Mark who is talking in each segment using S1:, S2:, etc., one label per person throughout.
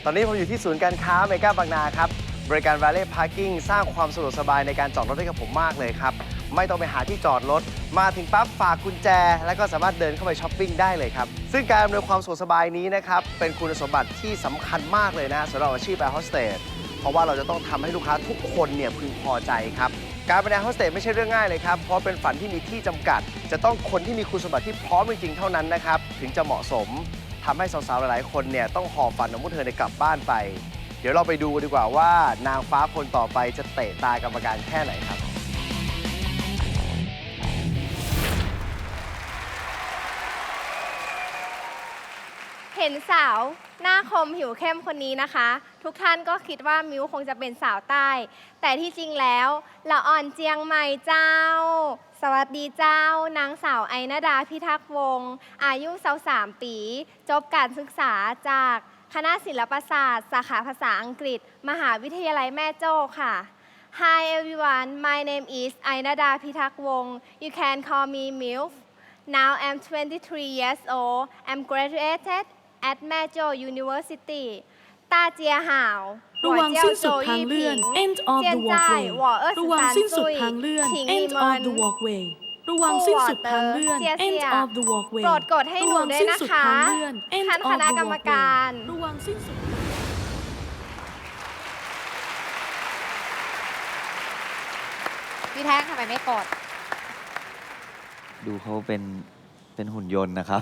S1: ตอนนี้ผมอยู่ที่ศูนย์การค้าเมกาบางนาครับบริการ Valet Parking สร้างความสะดวกสบายในการจอดรถให้กับผมมากเลยครับไม่ต้องไปหาที่จอดรถมาถึงปั๊บฝากกุญแจแล้วก็สามารถเดินเข้าไปช้อปปิ้งได้เลยครับซึ่งการอำนวยความสะดวกสบายนี้นะครับเป็นคุณสมบัติที่สำคัญมากเลยนะสำหรับอาชีพแอร์โฮสเตสเพราะว่าเราจะต้องทำให้ลูกค้าทุกคนเนี่ยพึงพอใจครับการเป็นแอร์โฮสเตสไม่ใช่เรื่องง่ายเลยครับเพราะเป็นฝันที่มีที่จำกัดจะต้องคนที่มีคุณสมบัติที่พร้อมจริงๆเท่านั้นนะครับถึงจะเหมาะสมทำให้สาวๆหลายๆคนเนี่ยต้องหอบฝันของพวกเธอในกลับบ้านไปเดี๋ยวเราไปดูกันดีกว่าว่านางฟ้าคนต่อไปจะเตะตากรรมการแค่ไหนครับ
S2: เห็นสาวหน้าคมผิวเข้มคนนี้นะคะ ทุกท่านก็คิดว่ามิวคงจะเป็นสาวใต้ แต่ที่จริงแล้วละอ่อนเจียงใหม่เจ้า สวัสดีเจ้านางสาวไอณดาพิทักษ์วงศ์อายุ23 ปีจบการศึกษาจากคณะศิลปศาสตร์สาขาภาษาอังกฤษ มหาวิทยาลัยแม่โจ้ค่ะ Hi everyone my name is Ainada Pitak Wong you can call me MILF now I'm 23 years old I'm graduated at Majo University 大家好
S3: ระวังสิ้นสุดทางเลื่อน end of the walkway ระวังสิ้นสุดทางเลื่อน end of the walkway ระวังสิ้นสุดทางเลื่อน end of the walkway
S2: โปรดกดให้หนูด้วยนะคะท่านคณะกรรมการ
S3: ระวังสิ้นสุด
S4: พี่แท่งทำไมไม่กด
S5: ดูเขาเป็นหุ่นยนต์นะครับ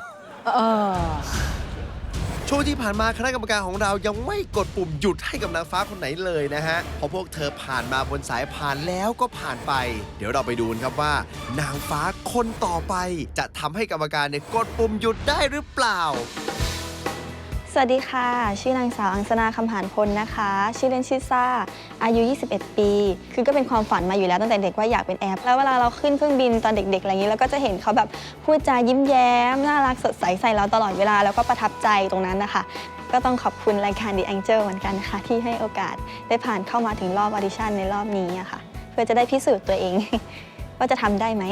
S1: ช่วงที่ผ่านมาคณะกรรมการของเรายังไม่กดปุ่มหยุดให้กับนางฟ้าคนไหนเลยนะฮะเพราะพวกเธอผ่านมาบนสายผ่านแล้วก็ผ่านไป เดี๋ยวเราไปดูกันครับว่านางฟ้าคนต่อไปจะทำให้กรรมการเนี่ยกดปุ่มหยุดได้หรือเปล่า
S6: สวัสดีค่ะชื่อนางสาวอังสนาคำหานพลนะคะชื่อเล่นชื่อซ่าอายุ21 ปีคือก็เป็นความฝันมาอยู่แล้วตั้งแต่เด็กว่าอยากเป็นแอร์แล้วเวลาเราขึ้นเครื่องบินตอนเด็กๆอะไรอย่างนี้เราก็จะเห็นเขาแบบพูดจายิ้มแย้มน่ารักสดใสใส่เราตลอดเวลาแล้วก็ประทับใจตรงนั้นนะคะก็ต้องขอบคุณรายการ The Angel เหมือนกันนะคะที่ให้โอกาสได้ผ่านเข้ามาถึงรอบออดิชั่นในรอบนี้ค่ะเพื่อจะได้พิสูจน์ตัวเอง ว่าจะทำได้ไหม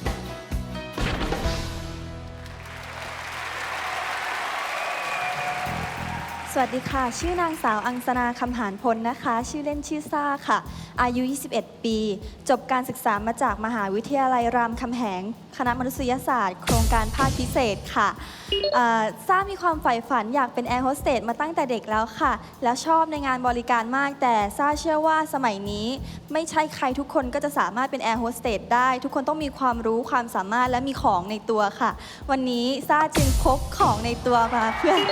S7: สวัสดีค่ะชื่อนางสาวอังสนาคำหานพลนะคะชื่อเล่นชื่อซ่าค่ะอายุ21 ปีจบการศึกษามาจากมหาวิทยาลัยรามคำแหงคณะมนุษยศาสตร์โครงการภาคพิเศษค่ะซ่ามีความใฝ่ฝันอยากเป็นแอร์โฮสเตสมาตั้งแต่เด็กแล้วค่ะแล้วชอบในงานบริการมากแต่ซ่าเชื่อว่าสมัยนี้ไม่ใช่ใครทุกคนก็จะสามารถเป็นแอร์โฮสเตสได้ทุกคนต้องมีความรู้ความสามารถและมีของในตัวค่ะวันนี้ซ่าจึงพกของในตัวมาเพื่อ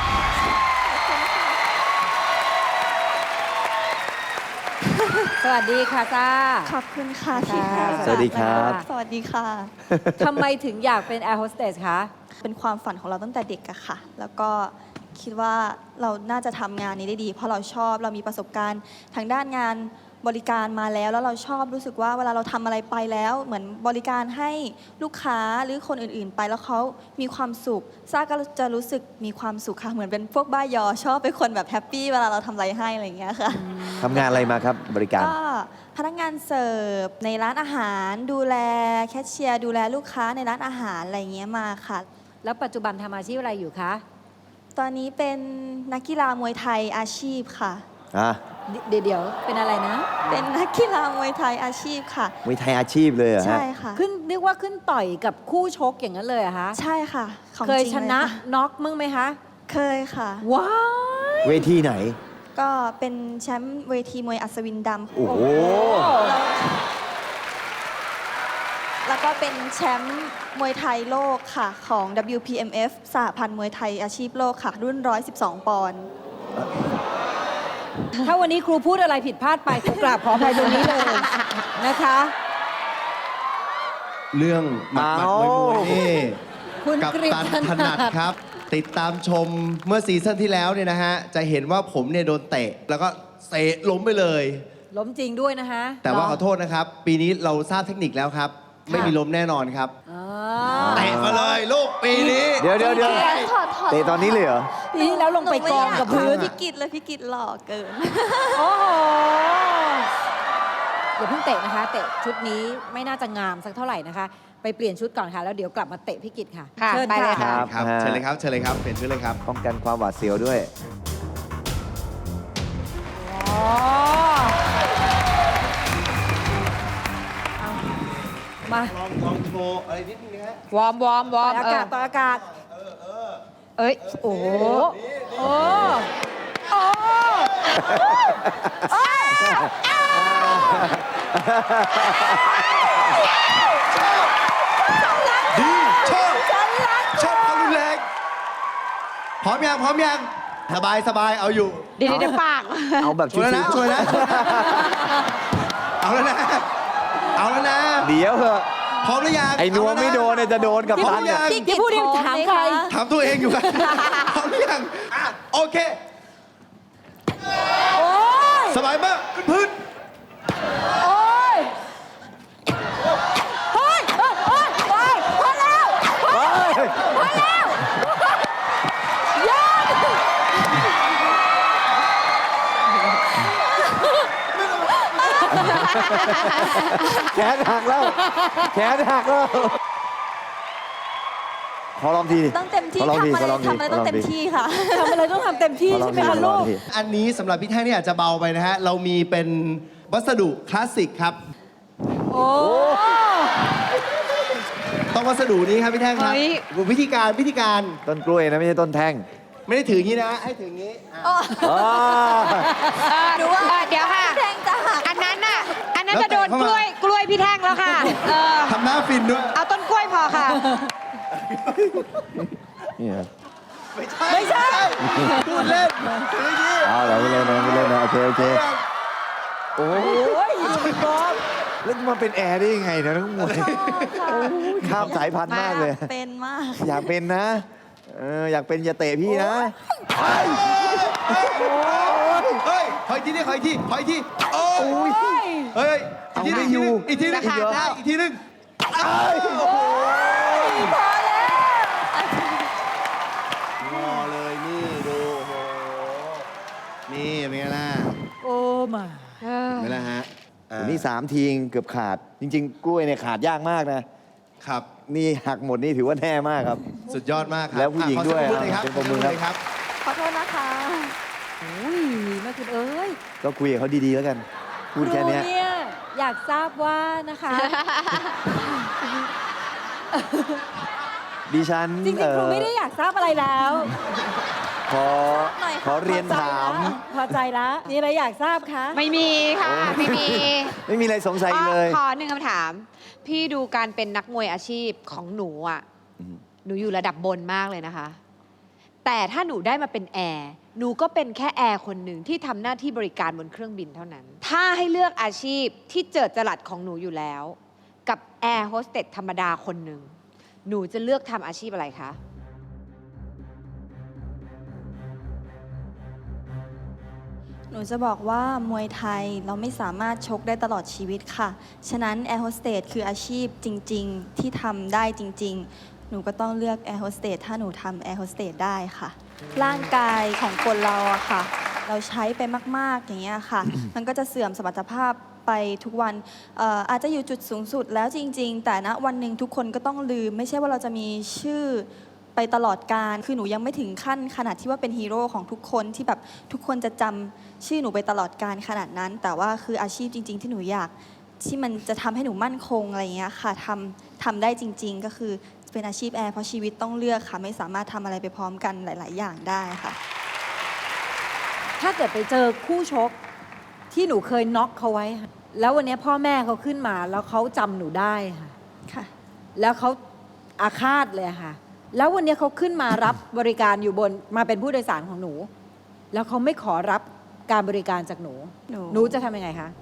S4: สวัสดีค่ะจ้า
S7: ขอบคุณค่ะที่ให้
S5: สวัสดีครับ
S7: สวัสดีค่ะ
S4: ทำไมถึงอยากเป็นแอร์โฮสเตสคะ
S7: เป็นความฝันของเราตั้งแต่เด็กอะค่ะ แล้วก็คิดว่าเราน่าจะทำงานนี้ได้ดี เพราะเราชอบเรามีประสบการณ์ทางด้านงานบริการมาแล้วเราชอบรู้สึกว่าเวลาเราทำอะไรไปแล้วเหมือนบริการให้ลูกค้าหรือคนอื่นๆไปแล้วเขามีความสุขซ่าก็จะรู้สึกมีความสุขค่ะเหมือนเป็นพวกบ้ายอชอบเป็นคนแบบแฮปปี้เวลาเราทำอะไรให้อะไรอย่างเงี้ยค่ะ
S5: ทำงานอะไรมาครับบริการ
S7: ก็พนักงานเสิร์ฟในร้านอาหารดูแลแคชเชียร์ดูแลลูกค้าในร้านอาหารอะไรอย่างเงี้ยมาค่ะ
S4: แล้วปัจจุบันทำอาชีพอะไรอยู่คะ
S7: ตอนนี้เป็นนักกีฬามวยไทยอาชีพค่ะ
S4: เดี๋ยวเป็นอะไรนะ
S7: เป็นนักกีฬามวยไทยอาชีพค่ะ
S5: มวยไทยอาชีพเลยเหรอฮะ
S7: ใช่ค่ะ
S4: ขึ้นเรียกว่าขึ้นต่อยกับคู่ชกอย่างนั้นเลยเหรอคะ
S7: ใช่ค่ะ
S4: เคยชนะน็อกมึงไหมคะ
S7: เคยค่ะ
S4: ว้าว
S5: เวทีไหน
S7: ก็เป็นแชมป์เวทีมวยอัศวินดำ
S5: โอ้โห
S7: แล้วก็เป็นแชมป์มวยไทยโลกค่ะของ WPMF สหพันธ์มวยไทยอาชีพโลกค่ะรุ่น112 ปอนด์
S4: ถ้าวันนี้ครูพูดอะไรผิดพลาดไปครูกราบขออภัยตรงนี้เลยนะคะ
S1: เรื่องหมัดมวยนี่
S4: คุณ
S1: กับ
S4: กฤษ
S1: ตันถนัดครับ ติดตามชมเมื่อซีซั่นที่แล้วเนี่ยนะฮะจะเห็นว่าผมเนี่ยโดนเตะแล้วก็เตะล้มไปเลย
S4: ล้มจริงด้วยนะคะ
S1: แต่ว่าขอโทษนะครับปีนี้เราทราบเทคนิคแล้วครับไม่มีล้มแน่นอนครับเตะมาเลยลูกปีนี้
S5: เดี๋ยวเตะตอนนี้เลยเหรอ
S4: นี่แล้วลงไปกองกับพื้น
S7: พี่กิตเลยพี่กิตหล่อเกิน
S4: โอ้โหอย่าเพิ่งเตะนะคะเตะชุดนี้ไม่น่าจะงามสักเท่าไหร่นะคะไปเปลี่ยนชุดก่อนค่ะแล้วเดี๋ยวกลับมาเตะพี่กิตค่ะ
S1: เชิญไปเลยครับเชิญเลยครับเปลี่ยนชุดเลยครับ
S5: ป้องกันความหวาดเสียวด้วย
S1: ลองโชว์อะไรนิดนึงนะฮะ
S4: วอร์มต่ออากาศต่ออากาศเอ้ยโอ้โหโอ้โอ้
S1: ดีชอบชอบความรุนแรงพร้อมยังสบายเอาอยู่
S4: เดี๋ยวปาก
S5: เอาแบบ
S1: ช่วย
S5: ชิ
S1: แล้ว
S5: ว
S1: ช่วยแล้วเอาแล้วนะ
S5: ๆเดี๋ยวเหอะ
S1: พร้อมหรือยัง
S5: ไอ้นัวไม่โดนเนี่ยจะโดนกับ
S1: พร้อม
S5: พัน
S1: หรือยัง
S4: ที่พูดนี่ถามใคร
S1: ถามตัวเองอยู่กันพร้อมหรือยังโอเคสบายมากขึ้นพื้น
S4: โอ้ยเฮ้ยพอแล้วยอด
S5: แขนหักแล้วขอลองที
S7: ต้องเต็มที่
S5: ขอลอง
S7: ทำ
S5: ที
S7: อะไร
S5: ขอลองที
S7: ทำอะไรต้องเต็มที่ค่ะ
S4: ทำอะไรต้องทำเต็มที่
S5: ขอลอง
S4: ใช่ไหม
S5: ที
S4: คะลูก
S1: อันนี้สำหรับพี่แท่งนี่อาจจะเบาไปนะฮะ เรามีเป็นวัสดุคลาสสิกครับ
S4: โอ้
S1: ต้องวัสดุนี้ครับพี่แท่งครับ
S4: เฮ้ย
S1: วิธีการ
S5: ต้นกล้วยนะไม่ใช่ต้นแท่ง
S1: ไม่ได้ถืออย่างนี้นะ ให้ถืออย่างนี้อ่ะ
S5: อ๋อ
S4: ดูว่าเดี๋ยวค่ะ
S7: แทงจะหัก
S4: อันนั้นจะโดนกล้วยพี่แท่งแล้วค่ะ
S1: ทำหน้าฟินด้วย
S4: เอาต้นกล้วยพอค่ะ
S5: นี่เหรอ
S1: ไม่ใช่พูดเล่นถืออย่างนี้
S5: เอาเหรอไม่เล่นนะโอเคโอ้ยแล้วมาเป็นแอร์ได้ยังไงเนี่ยทั้งหมดข้ามสายพันธุ์มากเลย
S7: เป็นมาก
S5: อยากเป็นนะอยากเป็นอย่าเตะพี่นะ
S1: เฮ้ยขออีกทีโอ้ยเฮ้ย
S5: เอาไม่อยู่
S1: อีกทีนึง
S5: อีกเหรอ
S1: อีกทีนึงงอเลยนี่ดูโอ้โหนี่เป็นไงล่ะ
S4: โอ้มา
S1: เป็นไงล่ะฮะ
S5: นี่3 ทีเกือบขาด จริง ๆ กล้วยเนี่ยขาดยากมากนะ
S1: ครับ
S5: นี่หักหมดนี่ถือว่าแน่มากครับ
S1: สุดยอดมากครับ
S5: แล้วผู้หญิงด้วย
S1: ขอเสีงปรบมือเลยครับ
S5: เป็นปรบมือครับ
S1: เลยครับ
S7: ขอโทษนะคะ
S4: อุ้ยแม่คุณเอ้ย
S5: ก็คุยกับเขาดีๆแล้วกัน พูดแค่เนี้ย
S4: ครูเนี่ยอยากทราบว่านะคะ
S5: ดิฉัน
S4: จริงๆครูไม่ได้อยากทราบอะไรแล้ว
S5: ขอเรียนถาม
S4: พอใจแล้วมีอะไรอยากทราบคะ
S8: ไม่มีค่ะ ไม่มี
S5: ไม่มีอะไรสงสัยเลย
S8: ขอหนึ่งคำถาม พี่ดูการเป็นนักมวยอาชีพของหนูอ่ะ
S5: อืม
S8: หนูอยู่ระดับบนมากเลยนะคะ แต่ถ้าหนูได้มาเป็นแอร์หนูก็เป็นแค่แอร์คนหนึ่งที่ทำหน้าที่บริการบนเครื่องบินเท่านั้น ถ้าให้เลือกอาชีพที่เจิดจรัสของหนูอยู่แล้ว กับแอร์โฮสเตสธรรมดาคนหนึ่งหนูจะเลือกทำอาชีพอะไรคะ
S7: หนูจะบอกว่ามวยไทยเราไม่สามารถชกได้ตลอดชีวิตค่ะ ฉะนั้นแอร์โฮสเตสคืออาชีพจริง ๆ ที่ทำได้จริง ๆ หนูก็ต้องเลือกแอร์โฮสเตสถ้าหนูทำแอร์โฮสเตสได้ค่ะ ร่างกายของคนเราอะค่ะ เราใช้ไปมาก ๆ อย่างเงี้ยค่ะ มันก็จะเสื่อมสมรรถภาพไปทุกวันอาจจะอยู่จุดสูงสุดแล้วจริง ๆ แต่ณวันหนึ่งทุกคนก็ต้องลืม ไม่ใช่ว่าเราจะมีชื่อไปตลอดการ คือหนูยังไม่ถึงขั้นขนาดที่ว่าเป็นฮีโร่ของทุกคนที่แบบทุกคนจะจำชื่อหนูไปตลอดการขนาดนั้น แต่ว่าคืออาชีพจริง ๆ ที่หนูอยากที่มันจะทำให้หนูมั่นคงอะไรอย่างเงี้ยค่ะทำได้จริง ๆ ก็คือเป็นอาชีพแอร์เพราะชีวิตต้องเลือกค่ะ ไม่สามารถทำอะไรไปพร้อมกันหลาย ๆ อย่างได้ค่ะ
S4: ถ้าเกิดไปเจอคู่ชกที่หนูเคยน็อกเขาไว้ค่ะแล้ววันนี้พ่อแม่เขาขึ้นมาแล้วเขาจำหนูได้ค่ะ
S7: ค่ะ
S4: แล้วเขาอาฆาตเลยค่ะ แล้ววันนี้เขาขึ้นมารับบริการอยู่บนมาเป็นผู้โดยสารของหนู แล้วเขาไม่ขอรับการบริการจากหนู หนูจะทำยังไงคะ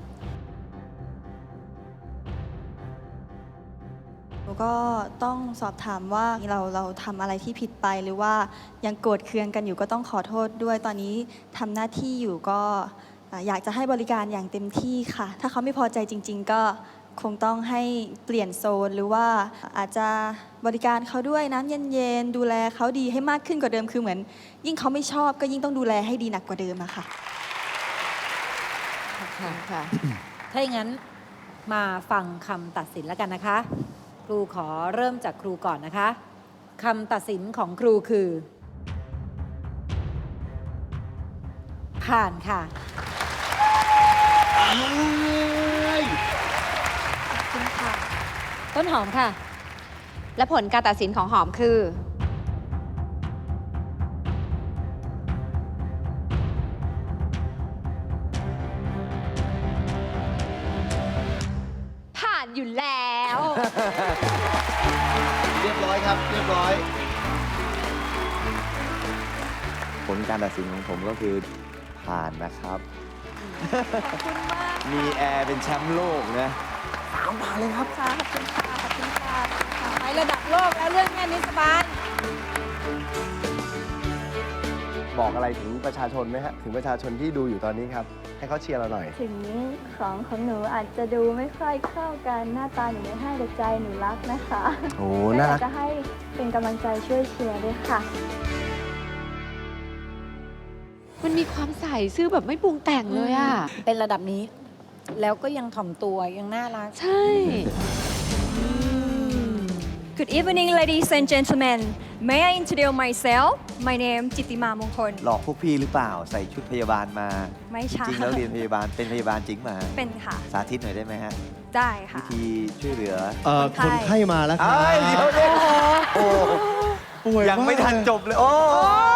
S7: หนูก็ต้องสอบถามว่าเราทำอะไรที่ผิดไปหรือว่ายังโกรธเคืองกันอยู่ก็ต้องขอโทษด้วยตอนนี้ทำหน้าที่อยู่ก็อยากจะให้บริการอย่างเต็มที่ค่ะ ถ้าเขาไม่พอใจจริง ๆ ก็คงต้องให้เปลี่ยนโซนหรือว่าอาจจะบริการเขาด้วยน้ำเย็นๆดูแลเขาดีให้มากขึ้นกว่าเดิมคือเหมือน ยิ่งเขาไม่ชอบก็ยิ่งต้องดูแลให้ดีหนักกว่าเดิมอะค่ะ
S4: ค่ะ ถ้าอย่างนั้นมาฟังคำตัดสินแล้วกันนะคะ ครูขอเริ่มจากครูก่อนนะคะคำตัดสินของครูคือ ผ่านค่ะ
S7: ขอบคุณค่ะ
S4: ต้นหอมค่ะ
S8: และผลการตัดสินของหอมคือ ผ่านอยู่แล้ว
S1: เรียบร้อยครับ เรียบร้อย
S5: ผลการตัดสินของผมก็คือผ่านนะครับ มีแอร์เป็นแชมป์โลกนะ
S4: ไประดับโลกแล้วเรื่องแค่นี้สบาย
S1: บอกอะไรถึงประชาชนไหมฮะ ถึงประชาชนที่ดูอยู่ตอนนี้ครับ ให้เขาเชียร์เราหน่อย
S7: ถึงของหนูอาจจะดูไม่ค่อยเข้ากันหน้าตาหนูไม่ให้แต่ใจหนูรักนะคะ
S1: โอ้
S7: ก็
S1: น่า
S7: อยา
S1: รั
S7: ก
S1: ก
S7: จะให้เป็นกำลังใจช่วยเชียร์ด้วยค่ะ
S8: มันมีความใส่ซื่อแบบไม่ปรุงแต่งเลยอ่ะ
S4: เป็นระดับนี้ แล้วก็ยังถ่อมตัวยังน่ารัก
S8: ใช่
S7: Good evening ladies and gentlemen May I introduce myself My name จิตติมา มงคล
S5: หลอกพวกพี่หรือเปล่า ใส่ชุดพยาบาลมา
S7: ไม่
S5: จ
S7: ใช่
S5: ริงๆแล้วเรียนพยาบาล เป็นพยาบาลจริงมา
S7: เป็นค่ะ
S5: สาธิตหน่อยได้ไหมฮะ
S7: ได้
S5: วิ
S7: ค่ะ
S5: ธีช่วยเหลือ
S9: คนไข้มาแล้วครับ
S5: เอ้ยเดี๋ยวเดี๋ยวโอ้
S9: ป่วย
S5: ยังไม่
S9: าก
S5: ทันจบเลย โอ้
S4: โอ้